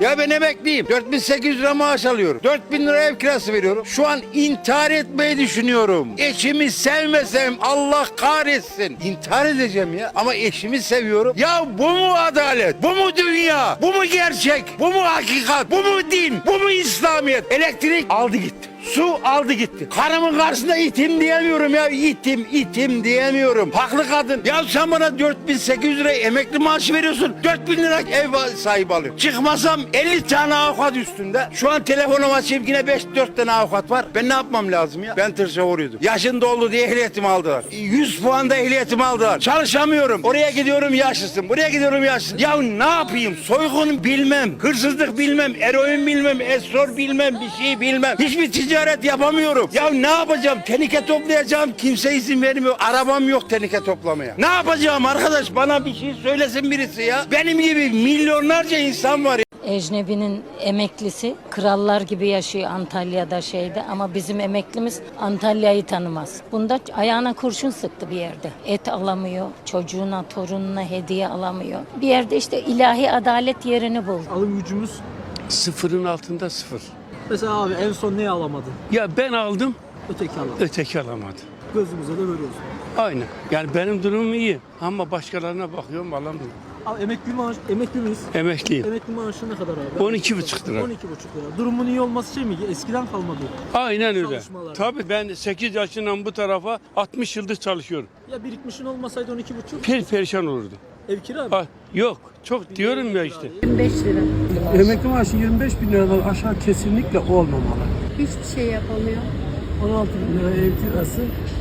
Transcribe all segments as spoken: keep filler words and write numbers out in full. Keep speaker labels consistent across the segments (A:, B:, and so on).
A: Ya ben emekliyim. dört bin sekiz yüz lira maaş alıyorum. dört bin lira ev kirası veriyorum. Şu an intihar etmeyi düşünüyorum. Eşimi sevmesem Allah kahretsin. İntihar edeceğim ya. Ama eşimi seviyorum. Ya bu mu adalet? Bu mu dünya? Bu mu gerçek? Bu mu hakikat? Bu mu din? Bu mu İslamiyet? Elektrik aldı gitti. Su aldı gitti. Karımın karşısında itim diyemiyorum ya. İtim, itim diyemiyorum. Haklı kadın. Ya sen bana dört bin sekiz yüz lira emekli maaşı veriyorsun. dört bin lira ev sahibi alıyorum. Çıkmasam elli tane avukat üstünde. Şu an telefonum açayım yine beş dört tane avukat var. Ben ne yapmam lazım ya? Ben tır şoförüydüm. Yaşın doldu diye ehliyetimi aldılar. yüz puanda ehliyetimi aldılar. Çalışamıyorum. Oraya gidiyorum yaşlısın. Buraya gidiyorum yaşlısın. Ya ne yapayım? Soygun bilmem. Hırsızlık bilmem. Eroin bilmem. Esrar bilmem. Bir şey bilmem. Hiçbir ticaret yapamıyorum. Ya ne yapacağım? Tenike toplayacağım. Kimse izin vermiyor. Arabam yok tenike toplamaya. Ne yapacağım arkadaş? Bana bir şey söylesin birisi ya. Benim gibi milyonlarca insan var ya.
B: Ecnebi'nin emeklisi krallar gibi yaşıyor Antalya'da şeyde ama bizim emeklimiz Antalya'yı tanımaz. Bunda ayağına kurşun sıktı bir yerde. Et alamıyor, çocuğuna, torununa hediye alamıyor. Bir yerde işte ilahi adalet yerini buldu.
C: Alım gücümüz
D: Sıfırın altında sıfır.
C: mesela abi en son neyi alamadın?
D: Ya ben aldım,
C: Öteki alamadı.
D: öteki alamadı.
C: Gözümüze de görüyoruz.
D: Aynı. Yani benim durumum iyi ama başkalarına bakıyorum alamıyorum.
C: Abi emekli maaş, emekli miyiz?
D: Emekliyim.
C: Emekli maaşı ne kadar abi?
D: on iki buçuk lira.
C: on iki buçuk lira. Durumun iyi olması şey mi? Eskiden kalmadı.
D: Aynen öyle.
C: Çalışmalar.
D: Tabii ben sekiz yaşından bu tarafa altmış yıldır çalışıyorum.
C: Ya birikmişin olmasaydı on iki buçuk.
D: Per perişan olurdu.
C: Ev kira mı?
D: Ha, yok. Çok diyorum ya işte.
B: yirmi beş lira.
E: Emekli maaşı yirmi beş bin liradan aşağı kesinlikle olmamalı.
F: Hiçbir şey yapamıyor.
E: on altı bin lira ev kirası,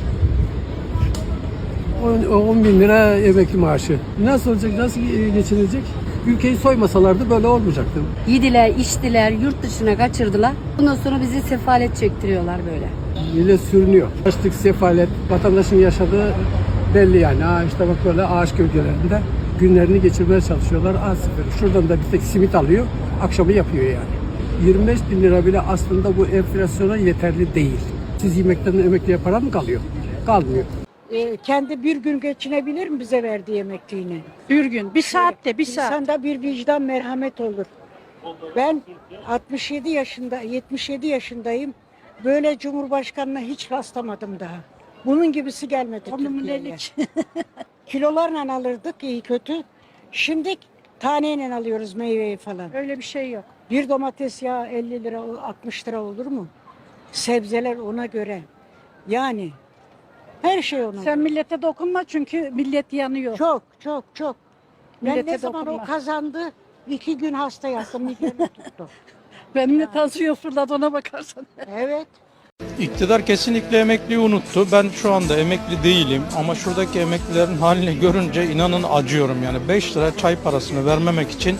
E: on bin lira emekli maaşı. Nasıl olacak, nasıl geçinilecek? Ülkeyi soymasalardı böyle olmayacaktı.
F: Yediler, içtiler, yurt dışına kaçırdılar. Bundan sonra bizi sefalet çektiriyorlar böyle.
E: Millet sürünüyor. Açlık, sefalet, vatandaşın yaşadığı belli yani. Ha işte bak böyle ağaç gölgelerinde günlerini geçirmeye çalışıyorlar. Az sıfır. Şuradan da bir tek simit alıyor, akşamı yapıyor yani. yirmi beş bin lira bile aslında bu enflasyona yeterli değil. Siz yemekten emekliye para mı kalıyor? Kalmıyor.
G: E, kendi bir gün geçinebilir mi bize verdiği emekliğini?
H: Bir gün, bir saatte, bir saat.
G: İnsanda bir vicdan, merhamet olur. Ben altmış yedi yaşında, yetmiş yedi yaşındayım. Böyle Cumhurbaşkanına hiç rastlamadım daha. Bunun gibisi gelmedi Türkiye'ye. Kilolarla alırdık iyi kötü. Şimdi taneyle alıyoruz meyveyi falan.
H: Öyle bir şey yok.
G: Bir domates yağı elli lira, altmış lira olur mu? Sebzeler ona göre. Yani her şey ona
H: Sen
G: göre.
H: millete dokunma çünkü millet yanıyor.
G: Çok çok çok. Ben
H: Millete
G: ne zaman
H: dokunma.
G: o kazandı iki gün hasta yattım, migreni tuttu.
H: Benim de tansiyon fırladı ona bakarsan.
G: Evet.
I: İktidar kesinlikle emekliyi unuttu. Ben şu anda emekli değilim ama şuradaki emeklilerin halini görünce inanın acıyorum. Yani beş lira çay parasını vermemek için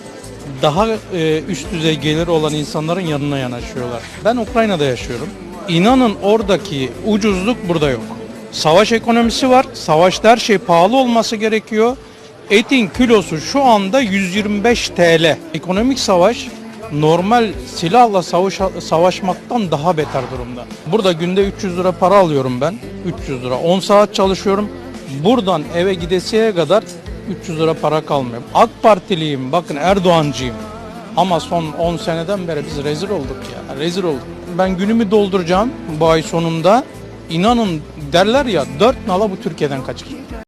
I: daha e, üst düzey geliri olan insanların yanına yanaşıyorlar. Ben Ukrayna'da yaşıyorum. İnanın oradaki ucuzluk burada yok. Savaş ekonomisi var. Savaşta her şey pahalı olması gerekiyor. Etin kilosu şu anda yüz yirmi beş T L. Ekonomik savaş normal silahla savaş, savaşmaktan daha beter durumda. Burada günde üç yüz lira para alıyorum ben. üç yüz lira. on saat çalışıyorum. Buradan eve gidesiye kadar üç yüz lira para kalmıyor. AK Partiliyim, bakın Erdoğancıyım. Ama son on seneden beri biz rezil olduk ya. Rezil olduk. Ben günümü dolduracağım bu ay sonunda. İnanın derler ya dört nala bu Türkiye'den kaçır.